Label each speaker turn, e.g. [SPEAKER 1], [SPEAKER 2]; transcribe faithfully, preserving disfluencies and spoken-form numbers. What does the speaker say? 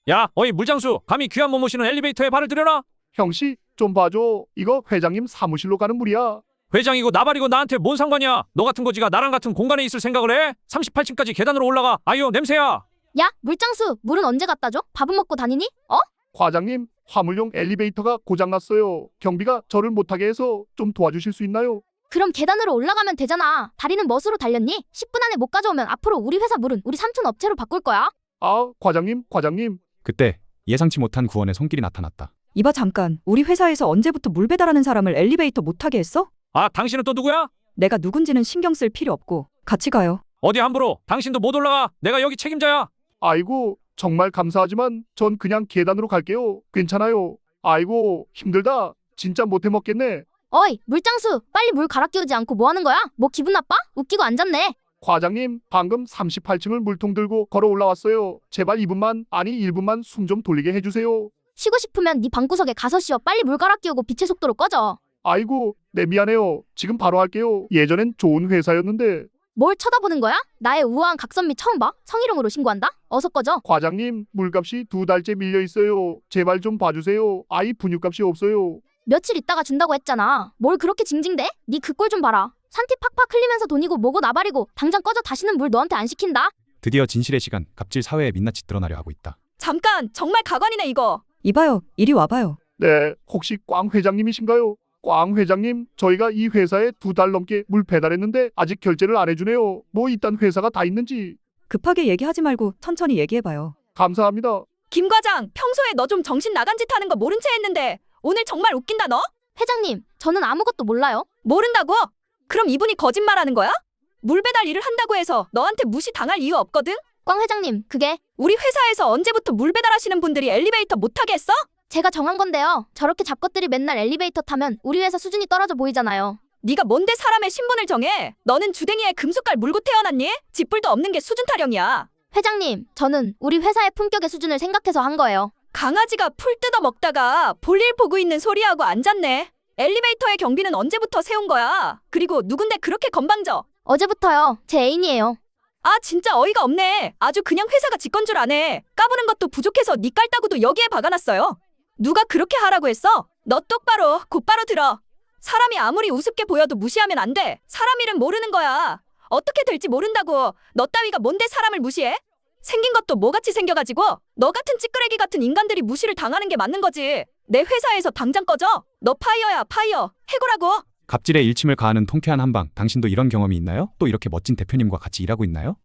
[SPEAKER 1] 야, 어이 물장수, 감히 귀한 몸 모시는 엘리베이터에 발을 들여라.
[SPEAKER 2] 형씨, 좀 봐줘. 이거 회장님 사무실로 가는 물이야.
[SPEAKER 1] 회장이고 나발이고 나한테 뭔 상관이야. 너 같은 거지가 나랑 같은 공간에 있을 생각을 해? 삼십팔 층까지 계단으로 올라가. 아유, 냄새야.
[SPEAKER 3] 야, 물장수, 물은 언제 갖다 줘? 밥은 먹고 다니니? 어?
[SPEAKER 2] 과장님, 화물용 엘리베이터가 고장났어요. 경비가 저를 못하게 해서 좀 도와주실 수 있나요?
[SPEAKER 3] 그럼 계단으로 올라가면 되잖아. 다리는 멋으로 달렸니? 십 분 안에 못 가져오면 앞으로 우리 회사 물은 우리 삼촌 업체로 바꿀 거야.
[SPEAKER 2] 아, 과장님, 과장님.
[SPEAKER 4] 그때 예상치 못한 구원의 손길이 나타났다.
[SPEAKER 5] 이봐 잠깐, 우리 회사에서 언제부터 물 배달하는 사람을 엘리베이터 못 타게 했어?
[SPEAKER 1] 아, 당신은 또 누구야?
[SPEAKER 5] 내가 누군지는 신경 쓸 필요 없고 같이 가요.
[SPEAKER 1] 어디 함부로. 당신도 못 올라가. 내가 여기 책임자야.
[SPEAKER 2] 아이고, 정말 감사하지만 전 그냥 계단으로 갈게요. 괜찮아요. 아이고, 힘들다. 진짜 못해 먹겠네.
[SPEAKER 3] 어이, 물장수, 빨리 물 갈아 끼우지 않고 뭐 하는 거야? 뭐 기분 나빠? 웃기고 앉았네.
[SPEAKER 2] 과장님, 방금 삼십팔 층을 물통 들고 걸어 올라왔어요. 제발 이 분만, 아니 일 분만 숨 좀 돌리게 해주세요.
[SPEAKER 3] 쉬고 싶으면 네 방구석에 가서 쉬어. 빨리 물 갈아 끼우고 빛의 속도로 꺼져.
[SPEAKER 2] 아이고, 네 미안해요. 지금 바로 할게요. 예전엔 좋은 회사였는데.
[SPEAKER 3] 뭘 쳐다보는 거야? 나의 우아한 각선미 처음 봐? 성희롱으로 신고한다? 어서 꺼져.
[SPEAKER 2] 과장님, 물값이 두 달째 밀려 있어요. 제발 좀 봐주세요. 아이 분유값이 없어요.
[SPEAKER 3] 며칠 있다가 준다고 했잖아. 뭘 그렇게 징징대? 네 그 꼴 좀 봐라. 산티 팍팍 흘리면서 돈이고 뭐고 나발이고. 당장 꺼져. 다시는 물 너한테 안 시킨다.
[SPEAKER 4] 드디어 진실의 시간, 갑질 사회의 민낯이 드러나려 하고 있다.
[SPEAKER 5] 잠깐, 정말 가관이네 이거. 이봐요, 이리 와봐요.
[SPEAKER 2] 네, 혹시 꽝 회장님이신가요? 꽝 회장님, 저희가 이 회사에 두 달 넘게 물 배달했는데 아직 결제를 안 해주네요. 뭐 이딴 회사가 다 있는지.
[SPEAKER 5] 급하게 얘기하지 말고 천천히 얘기해봐요.
[SPEAKER 2] 감사합니다.
[SPEAKER 5] 김 과장, 평소에 너 좀 정신 나간 짓 하는 거 모른 채 했는데 오늘 정말 웃긴다 너?
[SPEAKER 3] 회장님, 저는 아무것도 몰라요.
[SPEAKER 5] 모른다고? 그럼 이분이 거짓말하는 거야? 물 배달 일을 한다고 해서 너한테 무시당할 이유 없거든?
[SPEAKER 3] 꽝 회장님, 그게
[SPEAKER 5] 우리 회사에서 언제부터 물 배달하시는 분들이 엘리베이터 못 타게 했어?
[SPEAKER 3] 제가 정한 건데요. 저렇게 잡것들이 맨날 엘리베이터 타면 우리 회사 수준이 떨어져 보이잖아요.
[SPEAKER 5] 네가 뭔데 사람의 신분을 정해? 너는 주댕이에 금숟갈 물고 태어났니? 쥐뿔도 없는 게 수준 타령이야.
[SPEAKER 3] 회장님, 저는 우리 회사의 품격의 수준을 생각해서 한 거예요.
[SPEAKER 5] 강아지가 풀 뜯어 먹다가 볼일 보고 있는 소리하고 앉았네. 엘리베이터의 경비는 언제부터 세운 거야? 그리고 누군데 그렇게 건방져?
[SPEAKER 3] 어제부터요. 제 애인이에요.
[SPEAKER 5] 아 진짜 어이가 없네. 아주 그냥 회사가 지 건 줄 아네. 까부는 것도 부족해서 니 깔따구도 여기에 박아놨어요. 누가 그렇게 하라고 했어? 너 똑바로 곧바로 들어. 사람이 아무리 우습게 보여도 무시하면 안 돼. 사람 일은 모르는 거야. 어떻게 될지 모른다고. 너 따위가 뭔데 사람을 무시해? 생긴 것도 뭐같이 생겨가지고 너 같은 찌끄레기 같은 인간들이 무시를 당하는 게 맞는 거지. 내 회사에서 당장 꺼져. 너 파이어야 파이어. 해고라고.
[SPEAKER 4] 갑질에 일침을 가하는 통쾌한 한방, 당신도 이런 경험이 있나요? 또 이렇게 멋진 대표님과 같이 일하고 있나요?